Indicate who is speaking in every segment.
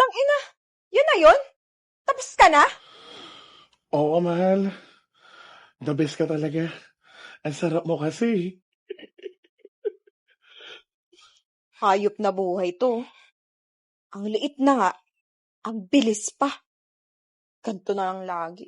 Speaker 1: Tangina, yun na yun? Tapos ka na?
Speaker 2: Oo, mahal. The best ka talaga. Ang sarap mo kasi.
Speaker 1: Hayop na buhay to. Ang liit na nga, ang bilis pa. Ganto na lang lagi.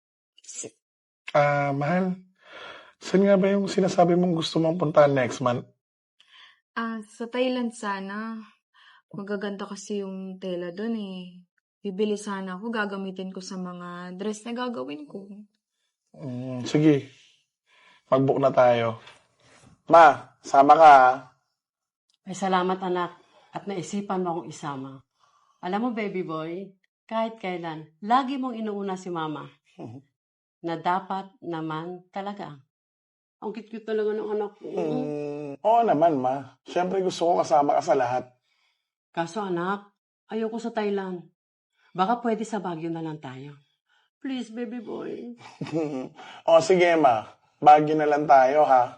Speaker 2: Mahal. Saan nga ba yung sinasabi mong gusto mong puntahan next month?
Speaker 3: Sa Thailand sana. Magaganda kasi yung tela doon eh. Bibili sana ako, gagamitin ko sa mga dress na gagawin ko.
Speaker 2: Sige, mag-book na tayo. Ma, sama ka ah.
Speaker 4: Ay, salamat anak at naisipan mo akong isama. Alam mo, baby boy, kahit kailan, lagi mong inuuna si mama. Na dapat naman talaga. Ang cute-cute talaga ng anak ko.
Speaker 2: Oo naman, ma. Siyempre gusto ko kasama ka sa lahat.
Speaker 4: Kaso anak, ayoko sa Thailand. Baka pwede sa Baguio na lang tayo. Please, baby boy.
Speaker 2: O sige, ma. Baguio na lang tayo, ha?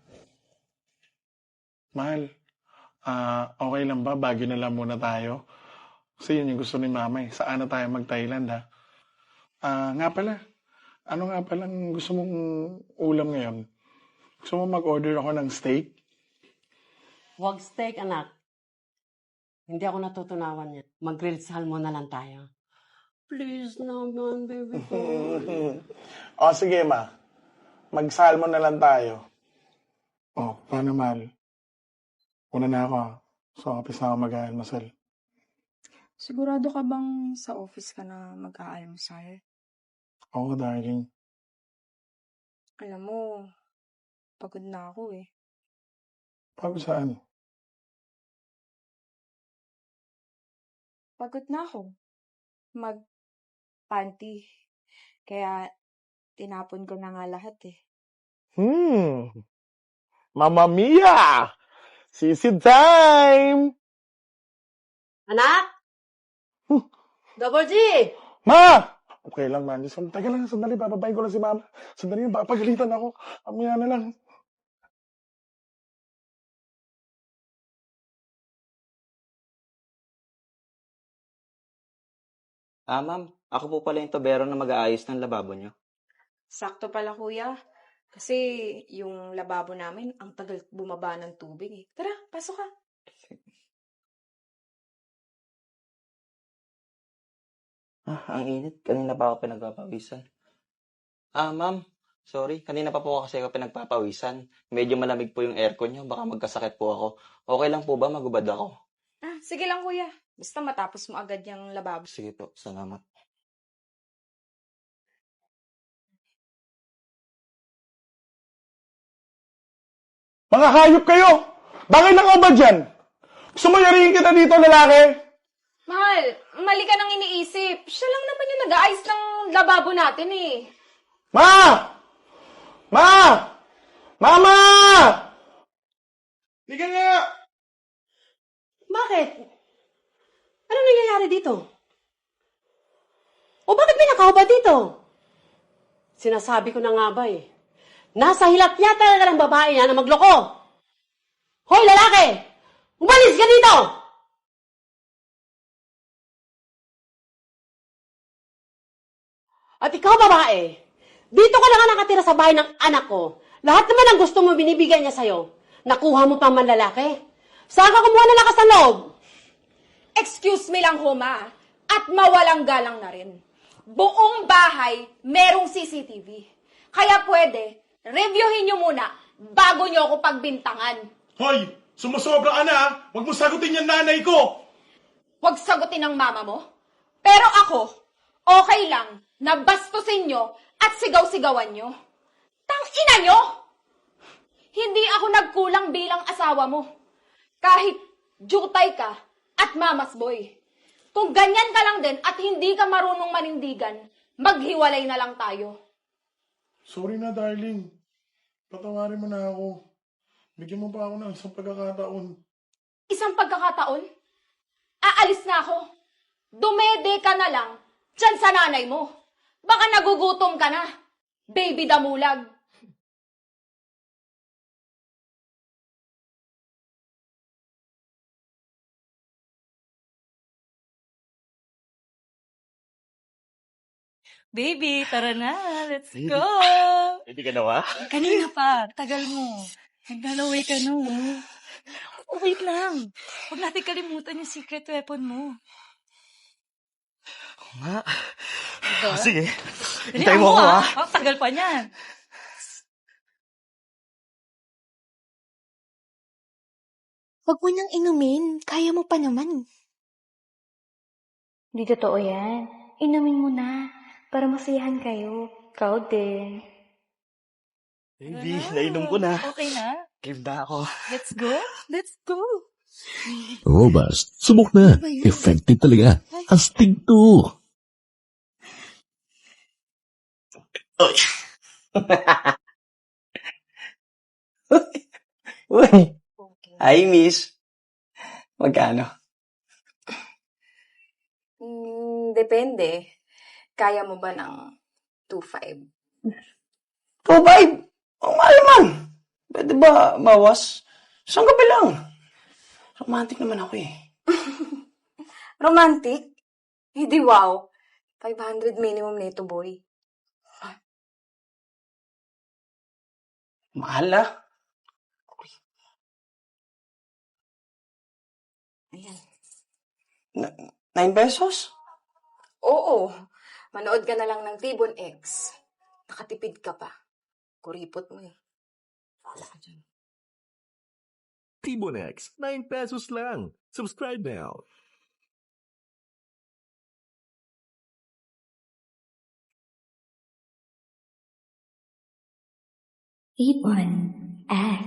Speaker 2: Mahal, okay lang ba? Baguio na lang muna tayo. Kasi yun yung gusto ni mama eh. Saan na tayo mag-Thailand, ha? Nga pala. Ano nga palang gusto mong ulam ngayon? Gusto mo mag-order ako ng steak?
Speaker 4: Huwag steak, anak. Hindi ako natutunawan yan. Mag-grilled salmon na lang tayo. Please naman, baby boy.
Speaker 2: O sige, ma. Mag-salmon na lang tayo. O, paano, mahal? Una na ako, ha? So, kapis na ako mag-aalmasal.
Speaker 5: Sigurado ka bang sa office ka na mag-aalmusal?
Speaker 2: Oo, darling.
Speaker 5: Alam mo, pagod na ako eh.
Speaker 2: Pagod saan?
Speaker 5: Pagod na ako. Mag-panty. Kaya tinapon ko na nga lahat eh.
Speaker 2: Mamma Mia! Sisi time!
Speaker 4: Anak! Double G!
Speaker 2: Ma! Okay lang, man. Tagal lang, sandali. Bababayin ko lang si mama. Sandali yun, papagalitan ako. Amaya na lang.
Speaker 6: Ma'am, ako po pala yung tobero na mag-aayos ng lababo nyo.
Speaker 5: Sakto pala kuya. Kasi yung lababo namin, ang tagal bumaba ng tubig eh. Tara, pasok ka.
Speaker 6: Ang init. Kanina pa ako pinagpapawisan. Ma'am, sorry. Kanina pa po kasi ako pinagpapawisan. Medyo malamig po yung aircon nyo. Baka magkasakit po ako. Okay lang po ba? Magubad ako.
Speaker 5: Sige lang kuya. Basta matapos mo agad yung lababo.
Speaker 6: Sige po. Salamat.
Speaker 2: Mga hayop kayo! Bakit nakaubad dyan? Gusto mo yarihin kita dito, lalaki?
Speaker 5: Mahal, mali ka nang iniisip. Siya lang naman yung nag-aayos ng lababo natin eh.
Speaker 2: Ma! Ma! Mama! Liga nga!
Speaker 4: Bakit? Ano nangyayari dito? O bakit may nakahubad dito? Sinasabi ko na nga ba eh. Nasa hilap niya talaga ng babae na magloko. Hoy, lalaki! Umalis ka dito! At ikaw, babae, dito ka na nga nakatira sa bahay ng anak ko. Lahat naman ang gusto mo binibigay niya sa'yo. Nakuha mo pa man lalaki. Saan ka kumuha ng lakas ng loob?
Speaker 5: Excuse me lang ho, ma. At mawalang galang na rin. Buong bahay, merong CCTV. Kaya pwede, reviewin nyo muna bago nyo ako pagbintangan.
Speaker 2: Hoy! Sumusobra ka na, ha? Huwag mo sagutin yung nanay ko!
Speaker 5: Huwag sagutin ng mama mo. Pero ako, okay lang na bastusin nyo at sigaw-sigawan nyo. Tang-ina nyo! Hindi ako nagkulang bilang asawa mo. Kahit jutay ka at mamas boy. Kung ganyan ka lang din at hindi ka marunong manindigan, maghiwalay na lang tayo.
Speaker 2: Sorry na, darling. Patawarin mo na ako. Bigyan mo pa ako ng isang pagkakataon.
Speaker 5: Isang pagkakataon, aalis na ako. Dumede ka na lang dyan sa nanay mo. Baka nagugutom ka na. Baby damulag.
Speaker 7: Baby, tara na. Let's
Speaker 6: Baby.
Speaker 7: go.
Speaker 6: Hindi ka nawa?
Speaker 7: Kanina pa. Tagal mo. Naglalaway ka no. Oh, wait lang. Huwag natin kalimutan yung secret weapon mo.
Speaker 6: Nga.
Speaker 7: Diba?
Speaker 6: Sige.
Speaker 7: Dali,
Speaker 6: Hintayin mo ako, ha?
Speaker 7: Oh, tagal pa niyan.
Speaker 8: Huwag mo nang inumin. Kaya mo pa naman.
Speaker 9: Di totoo yan. Inumin mo na para masiyahan kayo. Proud din.
Speaker 6: Baby,
Speaker 7: Tara na.
Speaker 6: nainom ko na.
Speaker 7: Okay na.
Speaker 6: Game na ako.
Speaker 7: Let's go. Let's go.
Speaker 10: Robust. Subok na. Effective talaga. Astig to.
Speaker 6: Uy. Uy. Hi, miss. Magkano?
Speaker 3: Depende. Kaya mo ba ng 2.5?
Speaker 6: 2.5? Ang mahal man. Pwede ba bawas? Isang gabi lang. Romantic naman ako eh.
Speaker 3: Romantic? Hindi wow. 500 minimum nito, boy.
Speaker 6: Mahal ah.
Speaker 3: Ayan.
Speaker 6: 9 pesos?
Speaker 3: Oo. Manood ka na lang ng Tibon X. Nakatipid ka pa. Kuripot mo eh. Wala ka dyan.
Speaker 10: Tibonex. 9 pesos lang. Subscribe now.
Speaker 9: Ibon X.